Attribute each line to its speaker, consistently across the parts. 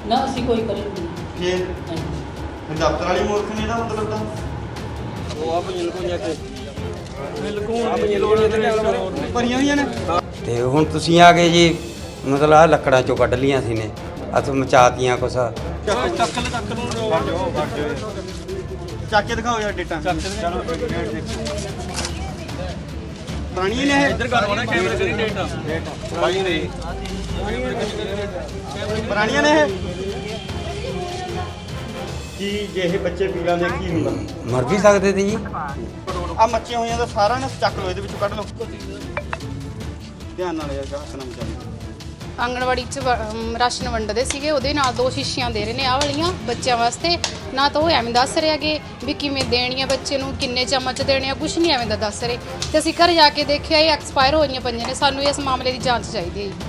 Speaker 1: ਨਾ ਅਸੀਂ ਕੋਈ ਕਰੀ ਨਹੀਂ
Speaker 2: ਫਿਰ ਦਫ਼ਤਰ ਵਾਲੀ ਮੂਰਖ ਨੇ ਇਹਦਾ ਮਤਲਬ ਤਾਂ
Speaker 3: ਉਹ ਆਪ ਬਿਲਕੁਲ ਜਾ ਕੇ ਆਪ ਬਿਲਕੁਲ ਭਰੀਆਂ ਹੋਈਆਂ ਨੇ।
Speaker 4: ਤੇ ਹੁਣ ਤੁਸੀਂ ਆ ਗਏ ਜੀ, ਮਤਲਬ ਆ ਲੱਕੜਾਂ ਚੋਂ ਕੱਢ ਲੀਆਂ ਸੀ ਨੇ, ਅਸ ਮਚਾਤੀਆਂ ਕੁਛ।
Speaker 3: ਚੱਕ ਨੂੰ
Speaker 2: ਚੱਕ ਕੇ ਦਿਖਾਓ ਯਾਰ ਡੇਟਾ।
Speaker 3: ਚਲੋ
Speaker 2: ਪੁਰਾਣੀ ਨੇ ਇਹ
Speaker 3: ਇੱਧਰ ਕਰ ਹੋਣਾ ਕੈਮਰੇ ਕਰੀ ਡੇਟਾ ਭਾਈ ਨਹੀਂ
Speaker 2: ਪੁਰਾਣੀਆਂ ਨੇ ਇਹ। ਕੀ ਜੇ ਇਹ ਬੱਚੇ ਪੀ ਲੈਂਦੇ ਕੀ ਹੁੰਦਾ?
Speaker 4: ਮਰ ਵੀ ਸਕਦੇ ਤੇ ਜੀ।
Speaker 2: ਆ ਮੱਚੀਆਂ ਹੋਈਆਂ ਤਾਂ ਸਾਰਾ ਨਾ ਚੱਕ ਲਓ, ਇਹਦੇ ਵਿੱਚੋਂ ਕੱਢ ਲਓ। ਧਿਆਨ ਨਾਲ ਯਾਰ ਹੱਥ ਨਾ ਮਚਾਓ।
Speaker 5: ਆਂਗਣਵਾੜੀ 'ਚ ਰਾਸ਼ਨ ਵੰਡਦੇ ਸੀਗੇ, ਉਹਦੇ ਨਾਲ 2 ਸ਼ੀਸ਼ੀਆਂ ਦੇ ਰਹੇ ਨੇ ਆਹ ਵਾਲੀਆਂ ਬੱਚਿਆਂ ਵਾਸਤੇ। ਨਾ ਤਾਂ ਉਹ ਐਵੇਂ ਦੱਸ ਰਹੇ ਹੈਗੇ ਵੀ ਕਿਵੇਂ ਦੇਣੀ ਆ ਬੱਚੇ ਨੂੰ, ਕਿੰਨੇ ਚਮਚ ਦੇਣੇ ਆ, ਕੁਝ ਨਹੀਂ ਐਵੇਂ ਦਾ ਦੱਸ ਰਹੇ। ਤੇ ਅਸੀਂ ਘਰ ਜਾ ਕੇ ਦੇਖਿਆ ਇਹ ਐਕਸਪਾਇਰ ਹੋਈਆਂ ਪਈਆਂ ਨੇ। ਸਾਨੂੰ ਇਸ ਮਾਮਲੇ ਦੀ ਜਾਂਚ ਚਾਹੀਦੀ ਹੈ ਜੀ।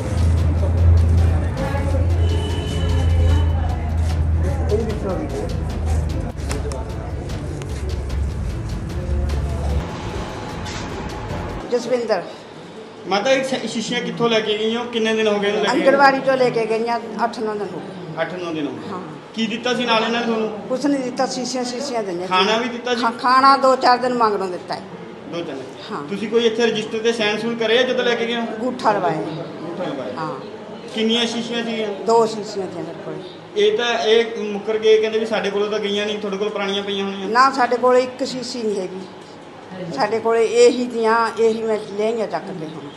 Speaker 6: ਜਸਵਿੰਦਰ
Speaker 2: ਮਾਤਾ ਇਹ ਸ਼ੀਸ਼ੀਆਂ ਕਿੱਥੋਂ ਲੈ ਕੇ ਗਈਆਂ? ਕਿੰਨੇ ਦਿਨ ਹੋ ਗਏ ਇਹਨੂੰ ਲੈ ਕੇ?
Speaker 6: ਅੰਗਣਵਾੜੀ ਤੋਂ ਲੈ ਕੇ ਗਈਆਂ 8-9 ਦਿਨ ਹੋ ਗਏ।
Speaker 2: 8-9 ਦਿਨ ਹੋ ਗਏ।
Speaker 6: ਹਾਂ।
Speaker 2: ਕੀ ਦਿੱਤਾ ਸੀ ਨਾਲ ਇਹਨਾਂ ਨੇ ਤੁਹਾਨੂੰ?
Speaker 6: ਕੁਛ ਨਹੀਂ ਦਿੱਤਾ, ਸ਼ੀਸ਼ੀਆਂ ਦਿੰਦੇ।
Speaker 2: ਖਾਣਾ ਵੀ ਦਿੱਤਾ ਜੀ?
Speaker 6: ਖਾਣਾ 2-4 ਦਿਨ ਮੰਗਣੋਂ ਦਿੱਤਾ ਹੈ।
Speaker 2: 2-3
Speaker 6: ਹਾਂ।
Speaker 2: ਤੁਸੀਂ ਕੋਈ ਇੱਥੇ ਰਜਿਸਟਰ ਤੇ ਸਾਈਨ ਸੂਨ ਕਰੇ ਆ ਜਦੋਂ ਲੈ ਕੇ ਗਏ ਹੋ?
Speaker 6: ਅੰਗੂਠਾ ਲਵਾਏ।
Speaker 2: ਅੰਗੂਠਾ ਲਗਵਾਇਆ।
Speaker 6: ਹਾਂ।
Speaker 2: ਕਿੰਨੀਆਂ ਸ਼ੀਸ਼ੀਆਂ ਸੀਗੀਆਂ?
Speaker 6: 2 ਸ਼ੀਸ਼ੀਆਂ ਦੀਆਂ ਮੇਰੇ ਕੋਲ।
Speaker 2: ਇਹ ਤਾਂ ਇਹ ਮੁੱਕਰ ਗਏ, ਕਹਿੰਦੇ ਵੀ ਸਾਡੇ ਕੋਲੋਂ ਤਾਂ ਗਈਆਂ ਨਹੀਂ, ਤੁਹਾਡੇ ਕੋਲ ਪੁਰਾਣੀਆਂ ਪਈਆਂ ਹੋਣੀਆਂ।
Speaker 6: ਨਾ ਸਾਡੇ ਕੋਲ ਇੱਕ ਸ਼ੀਸ਼ੀ ਨਹੀਂ ਹੈਗੀ, ਸਾਡੇ ਕੋਲ ਇਹੀ ਦੀਆਂ, ਇਹੀ ਮੈਂ ਲੈਂਗਾ ਚੱਕ ਕੇ ਹੁਣ।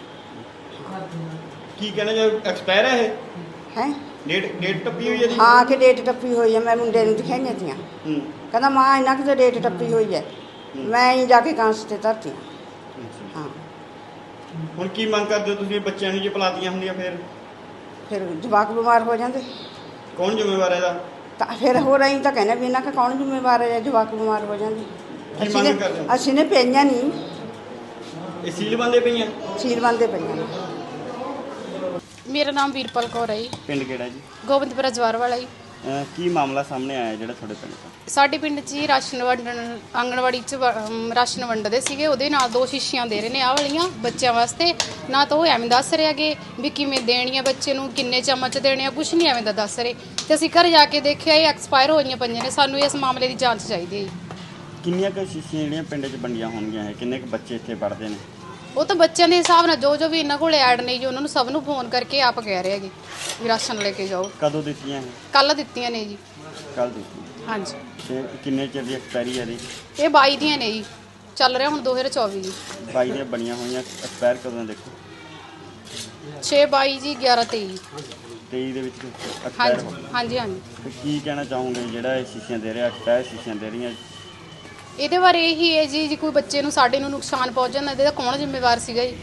Speaker 2: ਕੀ ਕਹਿੰਦੇ ਜੇ ਐਕਸਪਾਇਰ ਹੈ ਇਹ?
Speaker 6: ਹੈ
Speaker 2: ਡੇਟ ਟੱਪੀ ਹੋਈ ਹੈ ਜੀ?
Speaker 6: ਹਾਂ ਕਿ ਡੇਟ ਟੱਪੀ ਹੋਈ ਹੈ। ਮੈਂ ਮੁੰਡੇ ਨੂੰ ਦਿਖਾਈਆਂ ਤੀਆਂ,
Speaker 2: ਹੂੰ।
Speaker 6: ਕਹਿੰਦਾ ਮਾਂ ਇਹਨਾਂ ਕਿ ਡੇਟ ਟੱਪੀ ਹੋਈ ਹੈ। ਮੈਂ ਹੀ ਜਾ ਕੇ ਕਾਂਸ ਤੇ ਧਰਤੀ। ਹਾਂ।
Speaker 2: ਹੁਣ ਕੀ ਮੰਗ ਕਰਦੇ ਹੋ ਤੁਸੀਂ? ਬੱਚਿਆਂ ਨੂੰ ਜੇ ਪਲਾਤੀਆਂ ਹੁੰਦੀਆਂ
Speaker 6: ਫਿਰ ਜਵਾਕ ਬਿਮਾਰ ਹੋ ਜਾਂਦੇ
Speaker 2: ਕੌਣ ਜ਼ਿੰਮੇਵਾਰ ਹੈ ਇਹਦਾ?
Speaker 6: ਤਾਂ ਫਿਰ ਹੋ ਰਹੀ ਤਾਂ ਕਹਿੰਦੇ ਵੀ ਇਹਨਾਂ ਦਾ ਕੌਣ ਜ਼ਿੰਮੇਵਾਰ ਹੈ, ਜਵਾਕ ਬਿਮਾਰ ਹੋ ਜਾਂਦੇ।
Speaker 2: ਕੀ ਮੰਗ ਕਰਦੇ ਹੋ?
Speaker 6: ਅਸੀਂ ਨੇ ਪਈਆਂ ਨਹੀਂ,
Speaker 2: ਇਹ ਸੀਲ ਬੰਦੇ ਪਈਆਂ?
Speaker 6: ਸੀਲ ਬੰਦੇ ਪਈਆਂ ਨੇ।
Speaker 5: ਮੇਰਾ ਨਾਮ ਵੀਰਪਾਲ ਕੌਰ ਹੈ ਜੀ,
Speaker 2: ਪਿੰਡ ਕਿਹੜਾ ਜੀ?
Speaker 5: ਗੋਬਿੰਦਪੁਰਾ ਜਵਾਰ ਵਾਲਾ ਜੀ।
Speaker 2: ਕੀ ਮਾਮਲਾ ਸਾਹਮਣੇ ਆਇਆ ਜਿਹੜਾ ਤੁਹਾਡੇ ਪਿੰਡ ਦਾ?
Speaker 5: ਸਾਡੇ ਪਿੰਡ 'ਚ ਹੀ ਰਾਸ਼ਨ ਆਂਗਣਵਾੜੀ 'ਚ ਰਾਸ਼ਨ ਵੰਡਦੇ ਸੀਗੇ, ਉਹਦੇ ਨਾਲ 2 ਸ਼ੀਸ਼ੀਆਂ ਦੇ ਰਹੇ ਨੇ ਆਹ ਵਾਲੀਆਂ ਬੱਚਿਆਂ ਵਾਸਤੇ। ਨਾ ਤਾਂ ਉਹ ਐਵੇਂ ਦੱਸ ਰਹੇ ਹੈਗੇ ਵੀ ਕਿਵੇਂ ਦੇਣੀ ਆ ਬੱਚੇ ਨੂੰ, ਕਿੰਨੇ ਚਮਚ ਦੇਣੇ ਆ, ਕੁਝ ਨਹੀਂ ਐਵੇਂ ਦਾ ਦੱਸ ਰਹੇ। ਤੇ ਅਸੀਂ ਘਰ ਜਾ ਕੇ ਦੇਖਿਆ ਇਹ ਐਕਸਪਾਇਰ ਹੋਈਆਂ ਪਈਆਂ ਨੇ। ਸਾਨੂੰ ਇਸ ਮਾਮਲੇ ਦੀ ਜਾਂਚ ਚਾਹੀਦੀ ਹੈ।
Speaker 2: ਕਿੰਨੀਆਂ ਕੁ ਸ਼ੀਸ਼ੀਆਂ ਜਿਹੜੀਆਂ ਪਿੰਡ 'ਚ ਵੰਡੀਆਂ ਹੋਣਗੀਆਂ ਹੈ? ਕਿੰਨੇ ਕੁ ਬੱਚੇ ਇੱਥੇ ਪੜ੍ਹਦੇ ਨੇ?
Speaker 5: ਉਹ ਤਾਂ ਬੱਚਿਆਂ ਦੇ ਹਿਸਾਬ ਨਾਲ ਜੋ ਵੀ ਇਹਨਾਂ ਕੋਲ ਐਡ ਨਹੀਂ ਜੀ, ਉਹਨਾਂ ਨੂੰ ਸਭ ਨੂੰ ਫੋਨ ਕਰਕੇ ਆਪ ਕਹਿ ਰਹੇ ਹੈਗੇ ਵੀ ਰਾਸ਼ਨ ਲੈ ਕੇ ਜਾਓ।
Speaker 2: ਕਦੋਂ ਦਿੱਤੀਆਂ ਇਹ?
Speaker 5: ਕੱਲ੍ਹ ਦਿੱਤੀਆਂ ਨੇ ਜੀ।
Speaker 2: ਕੱਲ ਦਿੱਤੀਆਂ।
Speaker 5: ਹਾਂਜੀ।
Speaker 2: ਤੇ ਕਿੰਨੇ ਚਿਰ ਦੀ ਐਕਸਪਾਇਰੀ ਹੈ ਇਹਦੀ?
Speaker 5: ਇਹ 22 ਦੀਆਂ ਨੇ ਜੀ, ਚੱਲ ਰਿਹਾ ਹੁਣ 2024 ਜੀ।
Speaker 2: 22 ਦੀਆਂ ਬਣੀਆਂ ਹੋਈਆਂ, ਐਕਸਪਾਇਰ ਕਦੋਂ ਦੇਖੋ?
Speaker 5: 6/22 ਜੀ, 11/23।
Speaker 2: 23 ਦੇ ਵਿੱਚ ਐਕਸਪਾਇਰ ਹੋ
Speaker 5: ਹਾਂਜੀ ਹਾਂਜੀ ਹਾਂਜੀ।
Speaker 2: ਤੇ ਕੀ ਕਹਿਣਾ ਚਾਹੋਗੇ ਜਿਹੜਾ ਇਹ ਸ਼ੀਸ਼ੀਆਂ ਦੇ ਰਿਹਾ, ਐਕਸਪਾਇਰ ਸ਼ੀਸ਼ੀਆਂ ਦੇ ਰਹੀਆਂ?
Speaker 5: ਇਹਦੇ ਬਾਰੇ ਇਹੀ ਹੈ ਜੀ, ਜੇ ਕੋਈ ਬੱਚੇ ਨੂੰ ਸਾਡੇ ਨੂੰ ਨੁਕਸਾਨ ਪਹੁੰਚ ਜਾਂਦਾ ਇਹਦਾ ਕੌਣ ਜ਼ਿੰਮੇਵਾਰ ਸੀਗਾ ਜੀ?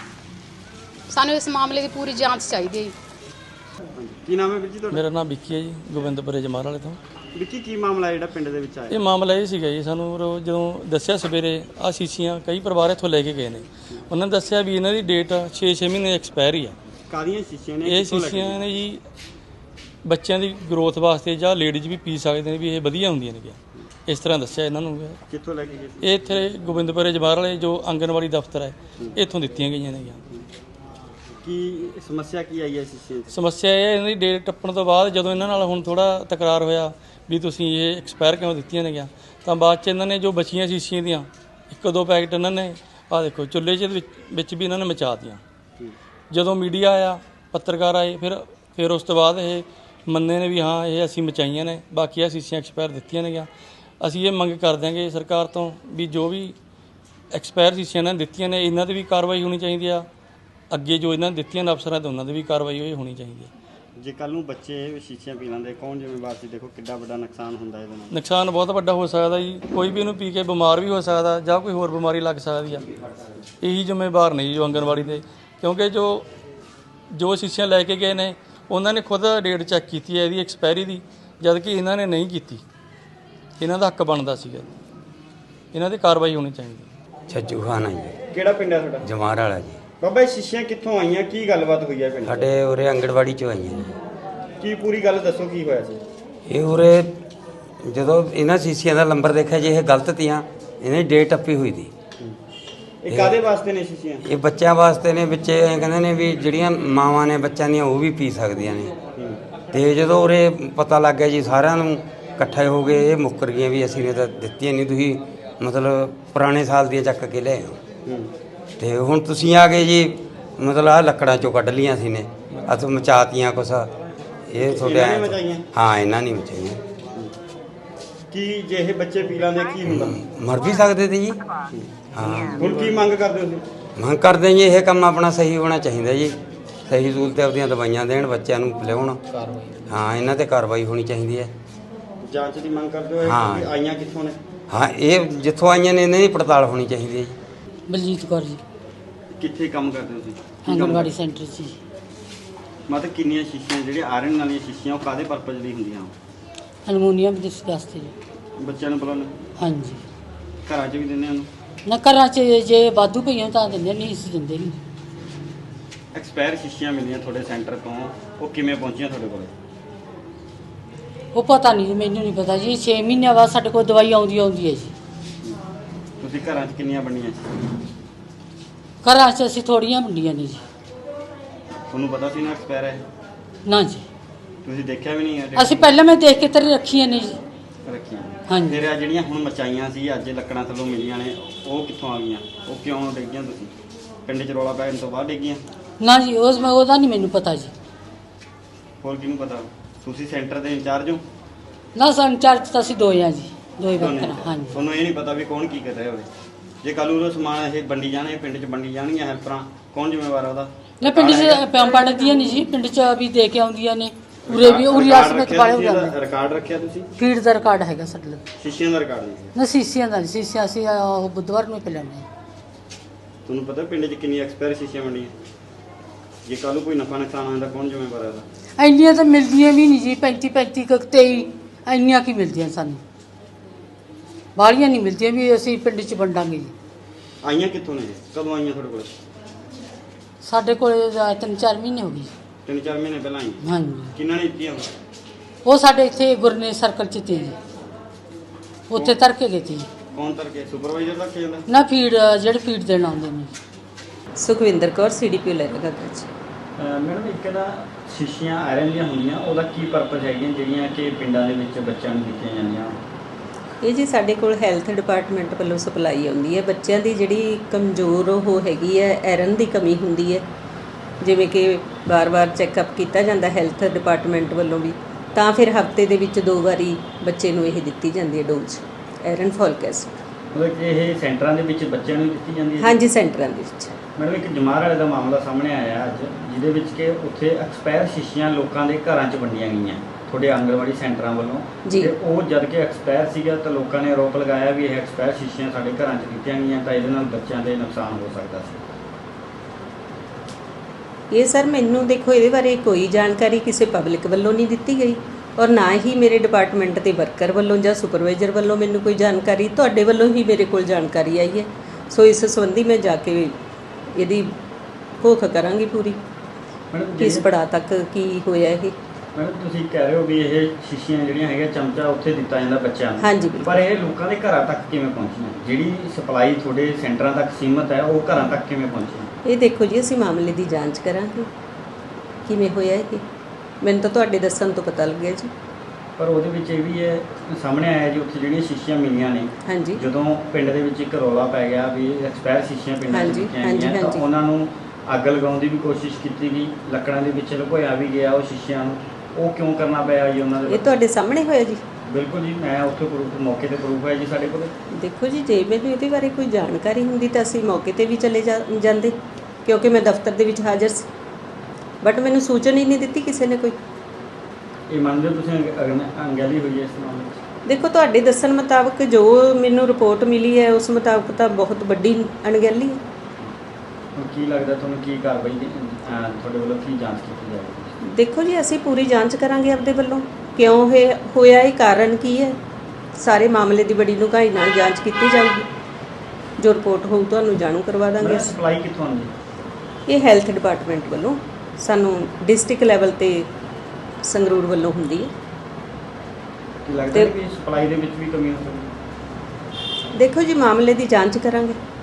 Speaker 5: ਸਾਨੂੰ ਇਸ ਮਾਮਲੇ ਦੀ ਪੂਰੀ ਜਾਂਚ ਚਾਹੀਦੀ ਹੈ ਜੀ।
Speaker 2: ਕੀ ਨਾਮ ਹੈ ਵੀਰ ਜੀ ਤੁਹਾਡਾ?
Speaker 7: ਮੇਰਾ ਨਾਮ ਵਿੱਕੀ ਹੈ ਜੀ, ਗੋਬਿੰਦਪੁਰੇ ਜਮਾਰ ਵਾਲੇ ਤੋਂ।
Speaker 2: ਵਿੱਕੀ, ਕੀ ਮਾਮਲਾ ਜਿਹੜਾ ਪਿੰਡ ਦੇ ਵਿੱਚ ਆਇਆ?
Speaker 7: ਇਹ ਮਾਮਲਾ ਇਹ ਸੀਗਾ ਜੀ, ਸਾਨੂੰ ਜਦੋਂ ਦੱਸਿਆ ਸਵੇਰੇ ਆਹ ਸ਼ੀਸ਼ੀਆਂ ਕਈ ਪਰਿਵਾਰ ਇੱਥੋਂ ਲੈ ਕੇ ਗਏ ਨੇ। ਉਹਨਾਂ ਨੇ ਦੱਸਿਆ ਵੀ ਇਹਨਾਂ ਦੀ ਡੇਟ 6-6 ਮਹੀਨੇ ਐਕਸਪਾਇਰੀ ਆ।
Speaker 2: ਕਾਹਦੀਆਂ ਸ਼ੀਸ਼ੀਆਂ ਨੇ?
Speaker 7: ਇਹ ਸ਼ੀਸ਼ੀਆਂ ਨੇ ਜੀ ਬੱਚਿਆਂ ਦੀ ਗਰੋਥ ਵਾਸਤੇ ਜਾਂ ਲੇਡੀਜ਼ ਵੀ ਪੀ ਸਕਦੇ ਨੇ, ਵੀ ਇਹ ਵਧੀਆ ਹੁੰਦੀਆਂ ਨੇ। ਇਸ ਤਰ੍ਹਾਂ ਦੱਸਿਆ ਇਹਨਾਂ ਨੂੰ।
Speaker 2: ਕਿੱਥੋਂ ਲੈ ਕੇ ਗਏ?
Speaker 7: ਇਹ ਇੱਥੇ ਗੋਬਿੰਦਪੁਰੇ ਜਮਾਰ ਵਾਲੇ ਜੋ ਆਂਗਣਵਾੜੀ ਦਫ਼ਤਰ ਹੈ, ਇੱਥੋਂ ਦਿੱਤੀਆਂ ਗਈਆਂ ਨੇ।
Speaker 2: ਕੀ ਸਮੱਸਿਆ ਕੀ ਆਈ ਹੈ ਸ਼ੀਸ਼ੀਆਂ 'ਚ?
Speaker 7: ਸਮੱਸਿਆ ਇਹ ਹੈ ਇਹਨਾਂ ਦੀ ਡੇਟ ਟੱਪਣ ਤੋਂ ਬਾਅਦ ਜਦੋਂ ਇਹਨਾਂ ਨਾਲ ਹੁਣ ਥੋੜਾ ਤਕਰਾਰ ਹੋਇਆ ਵੀ ਤੁਸੀਂ ਇਹ ਐਕਸਪਾਇਰ ਕਿਉਂ ਦਿੱਤੀਆਂ ਨੇ, ਤਾਂ ਬਾਅਦ 'ਚ ਇਹਨਾਂ ਨੇ ਜੋ ਬਚੀਆਂ ਸ਼ੀਸ਼ੀਆਂ ਦੀਆਂ 1-2 ਪੈਕਟ ਇਹਨਾਂ ਨੇ ਆਹ ਦੇਖੋ ਚੁੱਲ੍ਹੇ 'ਚ ਵਿੱਚ ਵੀ ਇਹਨਾਂ ਨੇ ਮਚਾ ਦਿੱਤੀਆਂ। ਜਦੋਂ ਮੀਡੀਆ ਆਇਆ, ਪੱਤਰਕਾਰ ਆਏ, ਫਿਰ ਉਸ ਤੋਂ ਬਾਅਦ ਇਹ ਮੰਨੇ ਨੇ ਵੀ ਹਾਂ ਇਹ ਅਸੀਂ ਮਚਾਈਆਂ ਨੇ, ਬਾਕੀ ਇਹ ਸ਼ੀਸ਼ੀਆਂ ਐਕਸਪਾਇਰ ਦਿੱਤੀਆਂ ਨੇ। ਅਸੀਂ ਇਹ ਮੰਗ ਕਰ ਦਿਆਂਗੇ ਸਰਕਾਰ ਤੋਂ ਵੀ ਜੋ ਵੀ ਐਕਸਪਾਇਰ ਸ਼ੀਸ਼ੀਆਂ ਇਹਨਾਂ ਨੇ ਦਿੱਤੀਆਂ ਨੇ ਇਹਨਾਂ 'ਤੇ ਵੀ ਕਾਰਵਾਈ ਹੋਣੀ ਚਾਹੀਦੀ ਆ। ਅੱਗੇ ਜੋ ਇਹਨਾਂ ਨੇ ਦਿੱਤੀਆਂ ਨੇ ਅਫਸਰਾਂ 'ਤੇ ਉਹਨਾਂ 'ਤੇ ਵੀ ਕਾਰਵਾਈ ਹੋਣੀ ਚਾਹੀਦੀ ਹੈ।
Speaker 2: ਜੇ ਕੱਲ ਨੂੰ ਬੱਚੇ ਸ਼ੀਸ਼ੀਆਂ ਪੀ ਲੈਂਦੇ, ਕੌਣ ਜ਼ਿੰਮੇਵਾਰ ਸੀ? ਦੇਖੋ ਕਿੱਡਾ ਵੱਡਾ ਨੁਕਸਾਨ ਹੁੰਦਾ ਇਹਦੇ ਨਾਲ।
Speaker 7: ਨੁਕਸਾਨ ਬਹੁਤ ਵੱਡਾ ਹੋ ਸਕਦਾ ਜੀ, ਕੋਈ ਵੀ ਇਹਨੂੰ ਪੀ ਕੇ ਬਿਮਾਰ ਵੀ ਹੋ ਸਕਦਾ ਜਾਂ ਕੋਈ ਹੋਰ ਬਿਮਾਰੀ ਲੱਗ ਸਕਦੀ ਆ। ਇਹੀ ਜ਼ਿੰਮੇਵਾਰ ਨਹੀਂ ਜੋ ਆਂਗਣਵਾੜੀ ਦੇ, ਕਿਉਂਕਿ ਜੋ ਸ਼ੀਸ਼ੀਆਂ ਲੈ ਕੇ ਗਏ ਨੇ ਉਹਨਾਂ ਨੇ ਖੁਦ ਡੇਟ ਚੈੱਕ ਕੀਤੀ ਹੈ ਇਹਦੀ ਐਕਸਪਾਇਰੀ ਦੀ, ਜਦ ਕਿ ਇਹਨਾਂ ਨੇ ਨਹੀਂ ਕੀਤੀ। ਇਹਨਾਂ ਦਾ ਹੱਕ ਬਣਦਾ ਸੀਗਾ, ਇਹਨਾਂ 'ਤੇ ਕਾਰਵਾਈ ਹੋਣੀ ਚਾਹੀਦੀ।
Speaker 4: ਛੱਜੂ ਖਾਨ ਆ ਜੀ,
Speaker 2: ਕਿਹੜਾ ਪਿੰਡ ਹੈ ਤੁਹਾਡਾ?
Speaker 4: ਜਮਾਰ ਵਾਲਾ ਜੀ।
Speaker 2: ਬਾਬਾ ਇਹ ਸ਼ੀਸ਼ੀਆਂ ਕਿੱਥੋਂ ਆਈਆਂ? ਕੀ ਗੱਲਬਾਤ ਹੋਈ ਹੈ ਪਿੰਡ 'ਚ?
Speaker 4: ਸਾਡੇ ਉਰੇ ਆਂਗਣਵਾੜੀ 'ਚੋਂ ਆਈਆਂ ਨੇ।
Speaker 2: ਕੀ ਪੂਰੀ ਗੱਲ ਦੱਸੋ, ਕੀ ਹੋਇਆ ਸੀ?
Speaker 4: ਇਹ ਉਰੇ ਜਦੋਂ ਇਹਨਾਂ ਸ਼ੀਸ਼ੀਆਂ ਦਾ ਨੰਬਰ ਦੇਖਿਆ ਜੀ, ਇਹ ਗਲਤ ਤੀਆਂ, ਇਹਨੇ ਡੇਟ ਟੱਪੀ ਹੋਈ ਸੀ।
Speaker 2: ਇਹ ਕਾਦੇ ਵਾਸਤੇ ਨੇ ਸ਼ੀਸ਼ੀਆਂ?
Speaker 4: ਇਹ ਬੱਚਿਆਂ ਵਾਸਤੇ ਨੇ। ਬੱਚੇ ਕਹਿੰਦੇ ਨੇ ਵੀ ਜਿਹੜੀਆਂ ਮਾਵਾਂ ਨੇ ਬੱਚਿਆਂ ਦੀਆਂ ਉਹ ਵੀ ਪੀ ਸਕਦੀਆਂ ਨੇ। ਤੇ ਜਦੋਂ ਉਰੇ ਪਤਾ ਲੱਗ ਗਿਆ ਜੀ ਸਾਰਿਆਂ ਨੂੰ ਇਕੱਠੇ ਹੋ ਗਏ, ਇਹ ਮੁੱਕਰ ਗਈਆਂ ਵੀ ਅਸੀਂ ਨੇ ਤਾਂ ਦਿੱਤੀਆਂ ਨਹੀਂ, ਤੁਸੀਂ ਮਤਲਬ ਪੁਰਾਣੇ ਸਾਲ ਦੀਆਂ ਚੱਕ ਕੇ ਲਿਆਏ ਹੋ ਤੇ ਹੁਣ ਤੁਸੀਂ ਆ ਗਏ ਜੀ, ਮਤਲਬ ਆਹ ਲੱਕੜਾਂ ਚੋਂ ਕੱਢ ਲੀਆਂ ਸੀ ਨੇ, ਅਸ ਮਚਾਤੀਆਂ ਕੁਛ ਇਹ ਤੁਹਾਡੇ
Speaker 2: ਇਹਨਾਂ ਨੇ ਮਚਾਈਆਂ?
Speaker 4: ਹਾਂ ਇਹਨਾਂ ਨਹੀਂ ਮਚਾਈਆਂ।
Speaker 2: ਕੀ ਜੇ ਇਹ ਬੱਚੇ ਪੀ ਲੈਂਦੇ ਕੀ ਹੁੰਦਾ?
Speaker 4: ਮਰ ਵੀ ਸਕਦੇ ਤੇ ਜੀ। ਹਾਂ
Speaker 2: ਹੁਣ ਕੀ ਮੰਗ ਕਰਦੇ ਹੋ ਤੁਸੀਂ?
Speaker 4: ਮੰਗ ਕਰਦੇ ਜੀ ਇਹ ਕੰਮ ਆਪਣਾ ਸਹੀ ਹੋਣਾ ਚਾਹੀਦਾ ਜੀ, ਸਹੀ ਸਹੂਲਤ ਆਪਦੀਆਂ ਦਵਾਈਆਂ ਦੇਣ, ਬੱਚਿਆਂ ਨੂੰ ਲਿਆਉਣ। ਹਾਂ ਇਹਨਾਂ ਤੇ ਕਾਰਵਾਈ ਹੋਣੀ ਚਾਹੀਦੀ ਹੈ।
Speaker 2: ਜਾਂਚ ਦੀ ਮੰਗ ਕਰਦੇ ਹੋ?
Speaker 4: ਹਾਂ।
Speaker 2: ਇਹ ਆਈਆਂ ਕਿੱਥੋਂ ਨੇ?
Speaker 4: ਹਾਂ ਇਹ ਜਿੱਥੋਂ ਆਈਆਂ ਨੇ ਇਹਨਾਂ ਦੀ ਪੜਤਾਲ ਹੋਣੀ ਚਾਹੀਦੀ ਹੈ ਜੀ।
Speaker 1: ਬਲਜੀਤ ਕੌਰ ਜੀ,
Speaker 2: ਕਿੱਥੇ ਕੰਮ ਕਰਦੇ ਹੋ ਤੁਸੀਂ? ਕੀ ਕੰਮ
Speaker 1: ਆਂਗਣਵਾੜੀ
Speaker 2: ਕਰਦੇ?
Speaker 1: ਸੈਂਟਰ 'ਚ ਜੀ।
Speaker 2: ਮਤਲਬ ਕਿੰਨੀਆਂ ਸ਼ੀਸ਼ੀਆਂ ਜਿਹੜੇ ਆਇਰਨ ਵਾਲੀਆਂ ਸ਼ੀਸ਼ੀਆਂ ਉਹ ਕਾਦੇ ਪਰਪਸ ਲਈ ਹੁੰਦੀਆਂ?
Speaker 1: ਅਲਮੋਨੀਅਮ ਦੇ ਵਾਸਤੇ ਜੀ।
Speaker 2: ਬੱਚਿਆਂ ਨੂੰ ਬੁਲਾਉਣ?
Speaker 1: ਹਾਂਜੀ,
Speaker 2: ਘਰਾਂ 'ਚ ਵੀ ਦਿੰਦੇ ਉਹਨੂੰ?
Speaker 1: ਨਾ ਘਰਾਂ 'ਚ ਜੇ ਵਾਧੂ ਪਈਆਂ ਤਾਂ ਦਿੰਦੇ, ਨਹੀਂ ਅਸੀਂ ਦਿੰਦੇ ਨਹੀਂ।
Speaker 2: ਐਕਸਪਾਇਰ ਸ਼ੀਸ਼ੀਆਂ ਮਿਲੀਆਂ ਤੁਹਾਡੇ ਸੈਂਟਰ ਤੋਂ, ਉਹ ਕਿਵੇਂ ਪਹੁੰਚੀਆਂ ਤੁਹਾਡੇ ਕੋਲ?
Speaker 1: ਉਹ ਪਤਾ ਨਹੀਂ ਜੀ, ਮੈਨੂੰ ਨਹੀਂ ਪਤਾ ਜੀ। 6 ਮਹੀਨਿਆਂ ਬਾਅਦ ਸਾਡੇ ਕੋਲ ਦਵਾਈ ਆਉਂਦੀ ਹੈ ਜੀ।
Speaker 2: ਤੁਸੀਂ ਘਰਾਂ 'ਚ ਕਿੰਨੀਆਂ ਵੰਡੀਆਂ ਸੀ?
Speaker 1: ਘਰਾਂ 'ਚ ਅਸੀਂ ਥੋੜੀਆਂ ਵੰਡੀਆਂ ਨੇ ਜੀ।
Speaker 2: ਤੁਹਾਨੂੰ ਪਤਾ ਸੀ ਨਾ ਐਕਸਪਾਇਰ ਹੈ?
Speaker 1: ਨਾ ਜੀ,
Speaker 2: ਤੁਸੀਂ ਦੇਖਿਆ ਵੀ ਨਹੀਂ ਹੈ?
Speaker 1: ਅਸੀਂ ਪਹਿਲਾਂ ਮੈਂ ਦੇਖ ਕੇ ਤੇਰੇ ਰੱਖੀਆਂ ਨੇ ਜੀ।
Speaker 2: ਰੱਖੀਆਂ।
Speaker 1: ਹਾਂਜੀ।
Speaker 2: ਫਿਰ ਆ ਜਿਹੜੀਆਂ ਹੁਣ ਮਚਾਈਆਂ ਸੀ ਅੱਜ ਲੱਕੜਾਂ ਥੱਲੋਂ ਮਿਲੀਆਂ ਨੇ, ਉਹ ਕਿੱਥੋਂ ਆ ਗਈਆਂ? ਉਹ ਕਿਉਂ ਡਿੱਗੀਆਂ? ਤੁਸੀਂ ਪਿੰਡ 'ਚ ਰੌਲਾ ਪੈਣ ਤੋਂ ਬਾਅਦ ਡਿੱਗੀਆਂ?
Speaker 1: ਨਾ ਜੀ, ਉਹਦਾ ਨਹੀਂ ਮੈਨੂੰ ਪਤਾ ਜੀ।
Speaker 2: ਹੋਰ ਕਿਹਨੂੰ ਪਤਾ? ਤੁਸੀਂ ਸੈਂਟਰ ਦੇ ਇੰਚਾਰਜ ਹੋ?
Speaker 1: ਨਾ ਸੰਚਾਰਜ ਤਾਂ ਅਸੀਂ ਦੋ ਹਾਂ ਜੀ, ਦੋ ਹੀ ਵਰਕਰ। ਹਾਂਜੀ,
Speaker 2: ਤੁਹਾਨੂੰ ਇਹ ਨਹੀਂ ਪਤਾ ਵੀ ਕੌਣ ਕੀ ਕਰ ਰਿਹਾ ਹੋਵੇ? ਜੇ ਕੱਲ੍ਹ ਨੂੰ ਉਹ ਸਮਾਨ ਇਹ ਵੰਡੀ ਜਾਣੇ, ਪਿੰਡ 'ਚ ਵੰਡੀ ਜਾਣਗੀਆਂ ਹੈਲਪਰਾਂ, ਕੌਣ ਜ਼ਿੰਮੇਵਾਰ ਆ ਉਹਦਾ?
Speaker 1: ਨਾ ਪਿੰਡ 'ਚ ਪੜਦੀਆਂ ਨਹੀਂ ਜੀ, ਪਿੰਡ 'ਚ ਵੀ ਦੇ ਕੇ ਆਉਂਦੀਆਂ ਨੇ। ਉਰੇ ਵੀ ਉਰੀਆਸ ਵਿੱਚ ਪਾਲੇ ਹੋ ਜਾਂਦੇ।
Speaker 2: ਰਿਕਾਰਡ ਰੱਖਿਆ ਤੁਸੀਂ?
Speaker 1: ਫੀਡ ਦਾ ਰਿਕਾਰਡ ਹੈਗਾ ਸਾਡੇ ਕੋਲ।
Speaker 2: ਸ਼ੀਸ਼ਿਆਂ ਦਾ ਰਿਕਾਰਡ ਨਹੀਂ?
Speaker 1: ਨਾ ਸੀਸੀਆਂ ਦਾ ਨਹੀਂ, ਸੀਸੀਆਂ ਅਸੀਂ ਉਹ ਬੁੱਧਵਾਰ ਨੂੰ ਪਿਲਾਉਂਦੇ ਹਾਂ।
Speaker 2: ਤੁਹਾਨੂੰ ਪਤਾ ਪਿੰਡ 'ਚ ਕਿੰਨੀ ਐਕਸਪਾਇਰ ਸ਼ੀਸ਼ੀਆਂ ਵੰਡੀਆਂ? ਜੇ ਕੱਲ੍ਹ ਨੂੰ ਕੋਈ ਨਫਾ ਨੁਕਸਾਨ ਆਉਂਦਾ ਕੌਣ ਜ਼ਿੰਮੇਵਾਰ ਹੈ ਉਹਦਾ?
Speaker 1: ਇੰਨੀਆਂ ਤਾਂ ਮਿਲਦੀਆਂ ਵੀ ਨਹੀਂ ਜੀ, 35 ਕੁ 23 ਇੰਨੀਆਂ ਕੀ ਮਿਲਦੀਆਂ ਸਾਨੂੰ, ਬਾਹਲੀਆਂ ਨਹੀਂ ਮਿਲਦੀਆਂ ਵੀ ਅਸੀਂ ਪਿੰਡ 'ਚ ਵੰਡਾਂਗੇ ਜੀ।
Speaker 2: ਆਈਆਂ ਕਿੱਥੋਂ ਨੇ? ਕਦੋਂ ਆਈਆਂ ਤੁਹਾਡੇ ਕੋਲ?
Speaker 1: ਸਾਡੇ ਕੋਲ 3-4 ਮਹੀਨੇ ਹੋ ਗਏ ਜੀ।
Speaker 2: 3-4 ਮਹੀਨੇ ਪਹਿਲਾਂ ਆਈਆਂ।
Speaker 1: ਹਾਂਜੀ,
Speaker 2: ਕਿਹਨਾਂ ਨੇ ਦਿੱਤੀਆਂ?
Speaker 1: ਉਹ ਸਾਡੇ ਇੱਥੇ ਗੁਰਨੇ ਸਰਕਲ 'ਚ ਤੇ ਜੀ, ਉੱਥੇ ਤਰ ਕੇ ਗਏ ਤੇ ਜੀ।
Speaker 2: ਕੌਣ ਤਰ ਕੇ? ਸੁਪਰਵਾਈਜ਼ਰ ਤੱਕ ਜਾਂਦਾ?
Speaker 1: ਨਾ ਫੀਡ ਜਿਹੜੇ ਫੀਡ ਦੇਣ ਆਉਂਦੇ ਨੇ।
Speaker 8: ਸੁਖਵਿੰਦਰ ਕੌਰ, ਸੀਡੀਪੀਓ ਲੈ ਲਗਾ ਜੀ।
Speaker 2: ਮੈਡਮ ਇੱਕ ਨਾ ਸ਼ੀਸ਼ੀਆਂ ਆਇਰਨ ਦੀਆਂ ਹੁੰਦੀਆਂ, ਉਹਦਾ ਕੀ ਪਰਪਸ ਹੈਗੀਆਂ ਜਿਹੜੀਆਂ ਕਿ ਪਿੰਡਾਂ ਦੇ ਵਿੱਚ ਬੱਚਿਆਂ ਨੂੰ ਦਿੱਤੀਆਂ ਜਾਂਦੀਆਂ?
Speaker 8: ਇਹ ਜੀ ਸਾਡੇ ਕੋਲ ਹੈਲਥ ਡਿਪਾਰਟਮੈਂਟ ਵੱਲੋਂ ਸਪਲਾਈ ਆਉਂਦੀ ਹੈ। ਬੱਚਿਆਂ ਦੀ ਜਿਹੜੀ ਕਮਜ਼ੋਰ ਉਹ ਹੈਗੀ ਹੈ, ਆਇਰਨ ਦੀ ਕਮੀ ਹੁੰਦੀ ਹੈ, ਜਿਵੇਂ ਕਿ ਵਾਰ-ਵਾਰ ਚੈੱਕਅਪ ਕੀਤਾ ਜਾਂਦਾ ਹੈਲਥ ਡਿਪਾਰਟਮੈਂਟ ਵੱਲੋਂ ਵੀ, ਤਾਂ ਫਿਰ ਹਫਤੇ ਦੇ ਵਿੱਚ 2 ਵਾਰੀ ਬੱਚੇ ਨੂੰ ਇਹ ਦਿੱਤੀ ਜਾਂਦੀ ਹੈ ਡੋਜ਼ ਆਇਰਨ ਫੋਲਿਕ ਐਸਿਡ।
Speaker 2: ਮਤਲਬ ਕਿ ਇਹ ਸੈਂਟਰਾਂ ਦੇ ਵਿੱਚ ਬੱਚਿਆਂ ਨੂੰ ਦਿੱਤੀ ਜਾਂਦੀ ਹੈ?
Speaker 8: ਹਾਂਜੀ, ਸੈਂਟਰਾਂ ਦੇ ਵਿੱਚ।
Speaker 2: ਮੈਡਮ ਇੱਕ ਜਮਾਰ ਵਾਲੇ ਦਾ ਮਾਮਲਾ ਸਾਹਮਣੇ ਆਇਆ ਅੱਜ, ਜਿਹਦੇ ਵਿੱਚ ਕਿ ਉੱਥੇ ਐਕਸਪਾਇਰ ਸ਼ੀਸ਼ੀਆਂ ਲੋਕਾਂ ਦੇ ਘਰਾਂ 'ਚ ਵੰਡੀਆਂ ਗਈਆਂ ਤੁਹਾਡੇ ਆਂਗਣਵਾੜੀ ਸੈਂਟਰਾਂ ਵੱਲੋਂ
Speaker 8: ਜੀ।
Speaker 2: ਤੇ ਉਹ ਜਦ ਕਿ ਐਕਸਪਾਇਰ ਸੀਗਾ ਤਾਂ ਲੋਕਾਂ ਨੇ ਆਰੋਪ ਲਗਾਇਆ ਵੀ ਇਹ ਐਕਸਪਾਇਰ ਸ਼ੀਸ਼ੀਆਂ ਸਾਡੇ ਘਰਾਂ 'ਚ ਦਿੱਤੀਆਂ ਗਈਆਂ ਤਾਂ ਇਹਦੇ ਨਾਲ ਬੱਚਿਆਂ ਦੇ ਨੁਕਸਾਨ ਹੋ ਸਕਦਾ ਸੀ।
Speaker 8: ਇਹ ਸਰ ਮੈਨੂੰ ਦੇਖੋ ਇਹਦੇ ਬਾਰੇ ਕੋਈ ਜਾਣਕਾਰੀ ਕਿਸੇ ਪਬਲਿਕ ਵੱਲੋਂ ਨਹੀਂ ਦਿੱਤੀ ਗਈ, ਔਰ ਨਾ ਹੀ ਮੇਰੇ ਡਿਪਾਰਟਮੈਂਟ ਦੇ ਵਰਕਰ ਵੱਲੋਂ ਜਾਂ ਸੁਪਰਵਾਈਜ਼ਰ ਵੱਲੋਂ ਮੈਨੂੰ ਕੋਈ ਜਾਣਕਾਰੀ, ਤੁਹਾਡੇ ਵੱਲੋਂ ਹੀ ਮੇਰੇ ਕੋਲ ਜਾਣਕਾਰੀ ਆਈ ਹੈ। ਸੋ ਇਸ ਸੰਬੰਧੀ ਮੈਂ ਜਾ ਕੇ ਇਹਦੀ ਭੋਖ ਕਰਾਂਗੀ ਪੂਰੀ,
Speaker 2: ਮੈਡਮ
Speaker 8: ਕਿਸ ਪੜਾਅ ਤੱਕ ਕੀ ਹੋਇਆ ਇਹ।
Speaker 2: ਮੈਡਮ ਤੁਸੀਂ ਕਹਿ ਰਹੇ ਹੋ ਵੀ ਇਹ ਸ਼ੀਸ਼ੀਆਂ ਜਿਹੜੀਆਂ ਹੈਗੀਆਂ ਚਮਚਾ ਉੱਥੇ ਦਿੱਤਾ ਜਾਂਦਾ ਬੱਚਿਆਂ ਨੂੰ,
Speaker 8: ਹਾਂਜੀ, ਬਿਲਕੁਲ।
Speaker 2: ਪਰ ਇਹ ਲੋਕਾਂ ਦੇ ਘਰਾਂ ਤੱਕ ਕਿਵੇਂ ਪਹੁੰਚੀਆਂ? ਜਿਹੜੀ ਸਪਲਾਈ ਤੁਹਾਡੇ ਸੈਂਟਰਾਂ ਤੱਕ ਸੀਮਤ ਹੈ ਉਹ ਘਰਾਂ ਤੱਕ ਕਿਵੇਂ ਪਹੁੰਚੀਆਂ?
Speaker 8: ਇਹ ਦੇਖੋ ਜੀ, ਅਸੀਂ ਮਾਮਲੇ ਦੀ ਜਾਂਚ ਕਰਾਂਗੇ ਕਿਵੇਂ ਹੋਇਆ ਇਹ, ਮੈਨੂੰ ਤਾਂ ਤੁਹਾਡੇ ਦੱਸਣ ਤੋਂ ਪਤਾ ਲੱਗਿਆ ਜੀ।
Speaker 2: ਪਰ ਉਹਦੇ ਵਿੱਚ ਇਹ ਵੀ ਹੈ ਸਾਹਮਣੇ ਆਇਆ ਜੀ, ਉੱਥੇ ਜਿਹੜੀਆਂ ਸ਼ੀਸ਼ੀਆਂ ਮਿਲੀਆਂ ਨੇ,
Speaker 8: ਹਾਂਜੀ,
Speaker 2: ਜਦੋਂ ਪਿੰਡ ਦੇ ਵਿੱਚ ਇੱਕ ਰੌਲਾ ਪੈ ਗਿਆ ਵੀ ਐਕਸਪਾਇਰ ਸ਼ੀਸ਼ੀਆਂ ਪਿੰਡਾਂ 'ਚ
Speaker 8: ਹਾਂਜੀ,
Speaker 2: ਦਿੱਤੀਆਂ
Speaker 8: ਹਾਂਜੀ,
Speaker 2: ਗਈਆਂ, ਤਾਂ
Speaker 8: ਹਾਂਜੀ।
Speaker 2: ਉਹਨਾਂ ਨੂੰ ਅੱਗ ਲਗਾਉਣ ਦੀ ਵੀ ਕੋਸ਼ਿਸ਼ ਕੀਤੀ ਗਈ, ਲੱਕੜਾਂ ਦੇ ਵਿੱਚ ਲੁਕੋਇਆ ਵੀ ਗਿਆ ਉਹ ਸ਼ੀਸ਼ਿਆਂ ਨੂੰ। ਉਹ ਕਿਉਂ ਕਰਨਾ ਪਿਆ ਜੀ ਉਹਨਾਂ ਦੇ?
Speaker 8: ਇਹ ਤੁਹਾਡੇ ਸਾਹਮਣੇ ਹੋਇਆ ਜੀ?
Speaker 2: ਬਿਲਕੁਲ ਜੀ, ਮੈਂ ਉੱਥੇ ਪ੍ਰੂਫ ਮੌਕੇ ਤੇ ਪ੍ਰੂਫ ਹੈ ਜੀ ਸਾਡੇ ਕੋਲ।
Speaker 8: ਦੇਖੋ ਜੀ, ਜੇ ਮੈਨੂੰ ਇਹਦੇ ਬਾਰੇ ਕੋਈ ਜਾਣਕਾਰੀ ਹੁੰਦੀ ਤਾਂ ਅਸੀਂ ਮੌਕੇ ਤੇ ਵੀ ਚਲੇ ਜਾਂਦੇ, ਕਿਉਂਕਿ ਮੈਂ ਦਫ਼ਤਰ ਦੇ ਵਿੱਚ ਹਾਜ਼ਰ ਸੀ, ਬਟ ਮੈਨੂੰ ਸੂਚਨਾ ਹੀ ਨਹੀਂ ਦਿੱਤੀ ਕਿਸੇ ਨੇ ਕੋਈ।
Speaker 2: ਇਹ ਮੰਨਦੇ ਹੋ ਤੁਸੀਂ ਅਣਗਹਿਲੀ ਹੋਈ ਹੈ ਇਸ ਮਾਮਲੇ ਵਿੱਚ?
Speaker 8: ਦੇਖੋ, ਤੁਹਾਡੇ ਦੱਸਣ ਮੁਤਾਬਕ ਜੋ ਮੈਨੂੰ ਰਿਪੋਰਟ ਮਿਲੀ ਹੈ ਉਸ ਮੁਤਾਬਕ ਤਾਂ ਬਹੁਤ ਵੱਡੀ ਅਣਗਹਿਲੀ ਹੈ।
Speaker 2: ਹੁਣ ਕੀ ਲੱਗਦਾ ਤੁਹਾਨੂੰ, ਕੀ ਕਾਰਵਾਈ ਤੁਹਾਡੇ ਵੱਲੋਂ ਕੀ ਜਾਂਚ ਕੀਤੀ ਜਾਵੇਗੀ?
Speaker 8: ਦੇਖੋ ਜੀ, ਅਸੀਂ ਪੂਰੀ ਜਾਂਚ ਕਰਾਂਗੇ ਆਪਦੇ ਵੱਲੋਂ, ਕਿਉਂ ਇਹ ਹੋਇਆ, ਇਹ ਕਾਰਨ ਕੀ ਹੈ, ਸਾਰੇ ਮਾਮਲੇ ਦੀ ਬੜੀ ਡੂੰਘਾਈ ਨਾਲ ਜਾਂਚ ਕੀਤੀ ਜਾਊਗੀ। ਜੋ ਰਿਪੋਰਟ ਹੋਊ ਤੁਹਾਨੂੰ ਜਾਣੂ ਕਰਵਾ ਦਾਂਗੇ।
Speaker 2: ਸਪਲਾਈ ਕਿੱਥੋਂ ਆਉਂਦੀ?
Speaker 8: ਇਹ ਹੈਲਥ ਡਿਪਾਰਟਮੈਂਟ ਵੱਲੋਂ ਸਾਨੂੰ ਡਿਸਟ੍ਰਿਕਟ ਲੈਵਲ ਤੇ ਸੰਗਰੂਰ ਵੱਲੋਂ ਹੁੰਦੀ ਹੈ।
Speaker 2: ਕੀ ਲੱਗਦਾ ਕਿ ਸਪਲਾਈ ਦੇ ਵਿੱਚ ਵੀ ਕਮੀ ਹੋ ਸਕਦੀ ਹੈ?
Speaker 8: ਦੇਖੋ ਜੀ, ਮਾਮਲੇ ਦੀ ਜਾਂਚ ਕਰਾਂਗੇ।